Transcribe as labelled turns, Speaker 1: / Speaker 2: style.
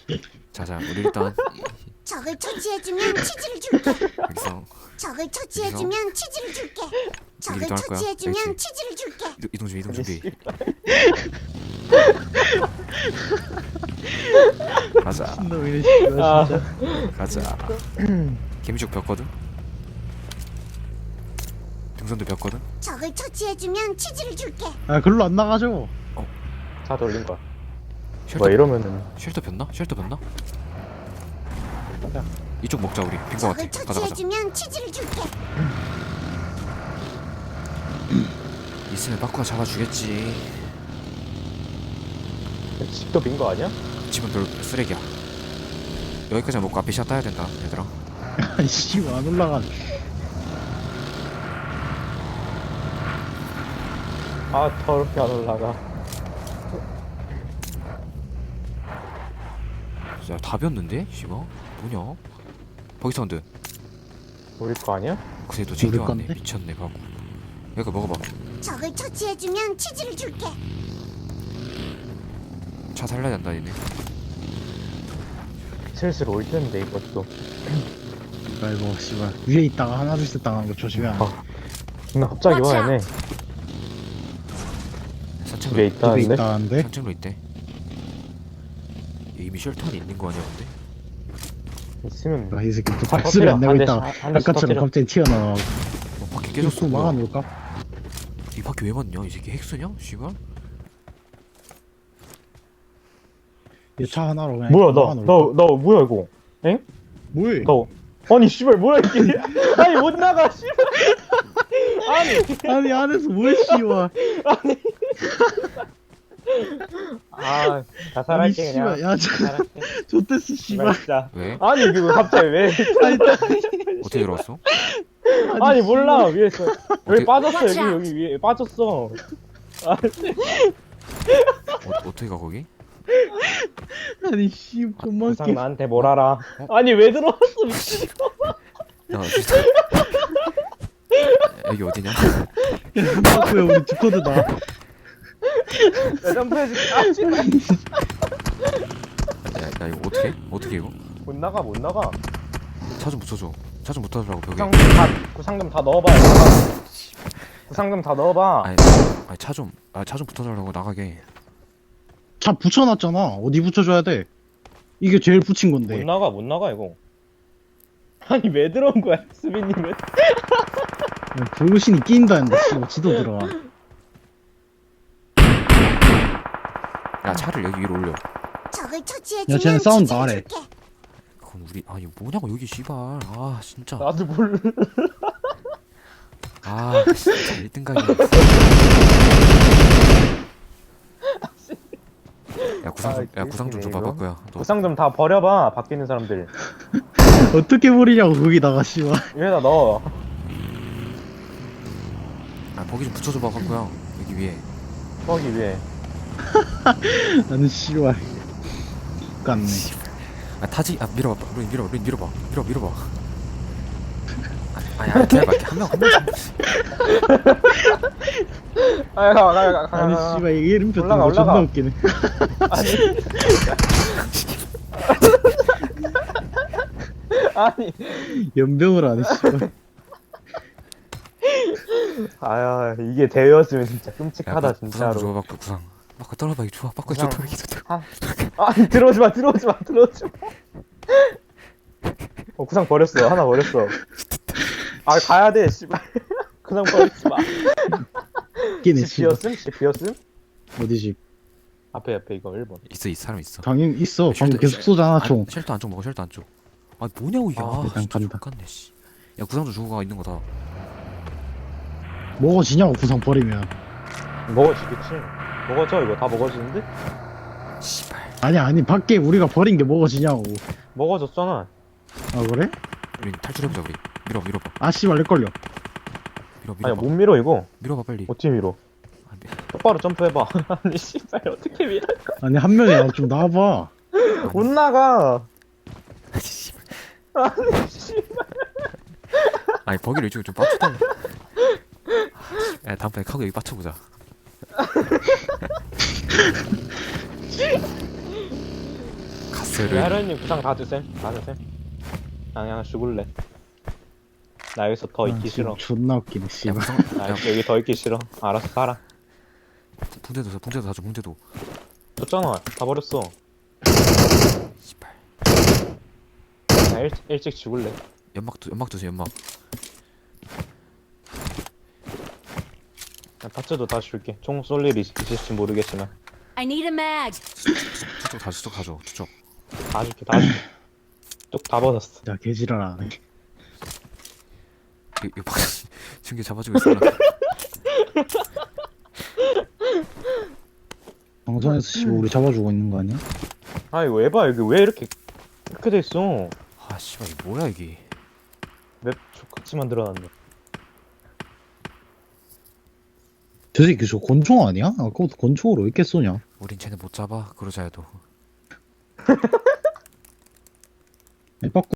Speaker 1: 자자 우리 일단
Speaker 2: 적을 처치해주면 치즈를 줄게.
Speaker 1: 여기서
Speaker 2: 적을 처치해주면 치즈를 줄게. 적을
Speaker 1: 이동할 거야?
Speaker 2: 처치해주면
Speaker 1: 알겠지?
Speaker 2: 치즈를 줄게.
Speaker 1: 이동 준비 가자
Speaker 3: 놈이네 씨발
Speaker 4: 아.
Speaker 3: 진짜.
Speaker 1: 가자 개미죽 벽거든? 등선도 벽거든?
Speaker 2: 적을 처치해주면 치즈를 줄게.
Speaker 3: 아 글로 안 나가죠.
Speaker 4: 차 돌린 거야.
Speaker 1: 쉘터,
Speaker 4: 뭐 이러면은
Speaker 1: 쉘터 폈나? 쉘터 폈나?
Speaker 4: 가자.
Speaker 1: 이쪽 먹자 우리 빈거
Speaker 2: 적을
Speaker 1: 같아 가자 가자
Speaker 2: 처치해주면 치즈를 줄게.
Speaker 1: 있으면 빠꾸가 잡아주겠지
Speaker 4: 집도 빈 거 아니야?
Speaker 1: 집은 별 쓰레기야 여기까지 먹고 앞에 샷 따야 된다 얘들아
Speaker 3: 아이씨 안 올라가.
Speaker 4: 아 더럽게 안 올라가.
Speaker 1: 야 답이었는데? 씨발 뭐냐? 버기 사운드
Speaker 4: 우리 거 아니야?
Speaker 1: 그래도
Speaker 3: 우리
Speaker 1: 챙겨왔네
Speaker 3: 건데?
Speaker 1: 미쳤네 바보 이거 먹어봐
Speaker 2: 적을 처치해주면 치즈를 줄게.
Speaker 1: 차 살려야 된다 얘네
Speaker 4: 슬슬 올 텐데 이것도.
Speaker 3: 아이고 씨발 위에 있다가 하나 둘셋 당하는 거 조심해야 돼.
Speaker 4: 나 갑자기 와 얘네.
Speaker 1: 산책로
Speaker 4: 집에
Speaker 3: 집에
Speaker 4: 있다는데?
Speaker 3: 있다는데.
Speaker 1: 산책로 있대 이미 쉘터 안에 있는 거 아니야 근데?
Speaker 4: 있으면
Speaker 3: 아, 이 새끼 또
Speaker 4: 아,
Speaker 3: 박수를 안 내고
Speaker 4: 한
Speaker 3: 있다가
Speaker 4: 대씩, 한 대씩
Speaker 3: 아까처럼
Speaker 4: 터뜨려.
Speaker 3: 갑자기 튀어나와.
Speaker 1: 바퀴
Speaker 3: 계속
Speaker 1: 깨졌어
Speaker 3: 또
Speaker 1: 뭐야
Speaker 3: 막아놓을까?
Speaker 1: 이 바퀴 왜 맞냐 이 새끼 핵수냐? 씨발
Speaker 3: 이 차 하나로 그냥
Speaker 4: 뭐야
Speaker 3: 막아놓을까?
Speaker 4: 나 뭐야 이거? 엥?
Speaker 3: 뭐해?
Speaker 4: 나 아니 씨발 뭐야 이게? 아니 못 나가 씨발. 아니
Speaker 3: 아니 안에서 뭐해 씨발.
Speaker 4: 아
Speaker 3: 아니
Speaker 4: 자살할게 그냥.
Speaker 3: 씨발 야 저,
Speaker 4: 자살할게.
Speaker 3: 좋댔어
Speaker 4: 씨발
Speaker 3: 씨발.
Speaker 4: 진짜.
Speaker 1: 왜?
Speaker 4: 아니 이거 갑자기 왜?
Speaker 3: 아니
Speaker 1: 어떻게 들어왔어?
Speaker 4: 아니 몰라 위에서
Speaker 1: 어떻게-
Speaker 4: 여기 빠졌어
Speaker 2: Watch
Speaker 4: 여기 위에 빠졌어.
Speaker 1: 어떻게 가 거기?
Speaker 3: 아니 씨 겁만
Speaker 4: 부상 나한테 뭘 알아? 아니 왜 들어왔어 미친.
Speaker 1: 야 어디서 여기 어디냐?
Speaker 3: 웃겨. 우리 디코드다.
Speaker 4: 야 점프해줄게. 아 씨발.
Speaker 1: 야 이거 어떻게? 어떻게 이거?
Speaker 4: 못 나가 못 나가.
Speaker 1: 차 좀 붙여줘 차 좀 붙여달라고 벽에
Speaker 4: 구상금 다 넣어봐. 구상금 다 넣어봐.
Speaker 1: 아니 차 좀 붙여달라고 나가게
Speaker 3: 차 붙여놨잖아. 어디 붙여줘야 돼? 이게 제일 붙인
Speaker 4: 못
Speaker 3: 건데.
Speaker 4: 나가 못 나가 이거. 아니 왜 들어온 거야 수빈님은?
Speaker 3: 불신이 끼인다 했는데 씨발 지도 들어가.
Speaker 1: 야 차를 여기 위로 올려
Speaker 2: 적을
Speaker 3: 야,
Speaker 2: 처치해주면
Speaker 3: 쟤는 싸운다,
Speaker 2: 치즈를
Speaker 3: 아래.
Speaker 2: 줄게.
Speaker 1: 그럼 우리 아 이거 뭐냐고 여기 씨발 아 진짜
Speaker 4: 나도 몰라.
Speaker 1: 아 진짜 1등각이야 야 구상 좀
Speaker 4: 아,
Speaker 1: 구상 좀
Speaker 4: 개웃기네,
Speaker 1: 봐봐
Speaker 4: 이거.
Speaker 1: 거야 너
Speaker 4: 구상 좀 다 버려봐 바뀌는 사람들.
Speaker 3: 어떻게 버리냐고 거기다가 씨발.
Speaker 4: 위에다 넣어.
Speaker 1: 아 거기 좀 붙여줘봐 거야 여기 위에
Speaker 4: 거기 위에.
Speaker 3: 나는 씨발. 같네.
Speaker 1: 아 타지 아 밀어봐 루인 밀어봐 아니 기다려봐 한명
Speaker 4: 가.
Speaker 3: 아니 씨발 이게 이름표
Speaker 4: 올라가,
Speaker 3: 뜨는 거 존나
Speaker 4: 올라가.
Speaker 3: 웃기네.
Speaker 4: 아니.
Speaker 3: 연병을 하네 씨발.
Speaker 4: 아야 이게 대회였으면 진짜 끔찍하다
Speaker 1: 구상 좀
Speaker 4: 진짜로.
Speaker 1: 줘봐 그 구상 막 떨어봐 이거 좋아 바꿔
Speaker 4: 구상.
Speaker 1: 줘 떨어봐
Speaker 4: 아니 들어오지 마. 구상 버렸어. 하나 버렸어. 아 가야 돼 씨발. 구상 버리지 마.
Speaker 3: 웃기네
Speaker 4: 집
Speaker 3: 씨발.
Speaker 4: 비었음? 집 비었음?
Speaker 3: 어디지?
Speaker 4: 앞에 이거 1번.
Speaker 1: 있어 이 사람 있어
Speaker 3: 당연 있어. 방금
Speaker 1: 쉘터-
Speaker 3: 계속 쏘잖아 총.
Speaker 1: 쉘터 안쪽 먹어 쉘터 안쪽 아 뭐냐고 이게
Speaker 3: 아, 일단
Speaker 1: 진짜
Speaker 3: 간다.
Speaker 1: X같네 씨야 구상 좀 주고 가 있는 거다
Speaker 3: 먹어지냐고 구상 버리면.
Speaker 4: 먹어지겠지. 먹어져 이거 다 먹어지는데?
Speaker 1: 씨발
Speaker 3: 아니 밖에 우리가 버린 게 먹어지냐고.
Speaker 4: 먹어졌잖아.
Speaker 3: 아 그래?
Speaker 1: 우리 탈출해보자 우리 밀어봐
Speaker 3: 아 씨발 내 걸려.
Speaker 4: 아니
Speaker 1: 밀어봐
Speaker 4: 못 밀어 이거.
Speaker 1: 밀어봐 빨리
Speaker 4: 어떻게 밀어?
Speaker 1: 아,
Speaker 4: 똑바로 점프해봐. 아니 씨발 어떻게 밀어?
Speaker 3: 아니 한 명이 좀 나와봐.
Speaker 4: 못 나가.
Speaker 1: 씨발
Speaker 4: 아니 씨발.
Speaker 1: 아니 버기를 이쪽에 좀 빠쳐달라 야 다음번에 카고 여기 빠쳐보자 바스를
Speaker 4: 하루님 구상 다 드셈. 다 드셈. 나 그냥 죽을래. 나 여기서 더
Speaker 3: 아,
Speaker 4: 있기 싫어.
Speaker 3: 지금 존나 웃기네
Speaker 1: 야
Speaker 3: 씨발.
Speaker 1: 구상
Speaker 4: 나
Speaker 1: 야
Speaker 4: 여기 더 있기 싫어. 알아서 살아.
Speaker 1: 붕대도 사줘 붕대도.
Speaker 4: 줬잖아. 다 버렸어.
Speaker 1: 씨발.
Speaker 4: 나 일찍 죽을래.
Speaker 1: 연막 주세요 연막.
Speaker 4: 나 파츠도 다 줄게. 총 쏠 일이 있을지 모르겠지만.
Speaker 2: I need a mag.
Speaker 1: 저쪽 가져 저쪽.
Speaker 4: 다 줄게. 다 줄게. 쪽 다 벗었어.
Speaker 3: 야 개지랄하네.
Speaker 1: 이거 방 중계 잡아주고 있어.
Speaker 3: 방송에서 씨발 우리 잡아주고 있는 거 아니야?
Speaker 4: 아 이거 에바 여기 왜 이렇게 돼 있어?
Speaker 1: 아 씨발 이거 뭐야 이게.
Speaker 4: 맵 족같이 만들어놨네.
Speaker 3: 저 새끼 저 권총 아니야? 아까부터 권총으로 왜 이렇게 쏘냐?
Speaker 1: 우린 쟤네 못 잡아 그러자 해도.
Speaker 3: 에바꾸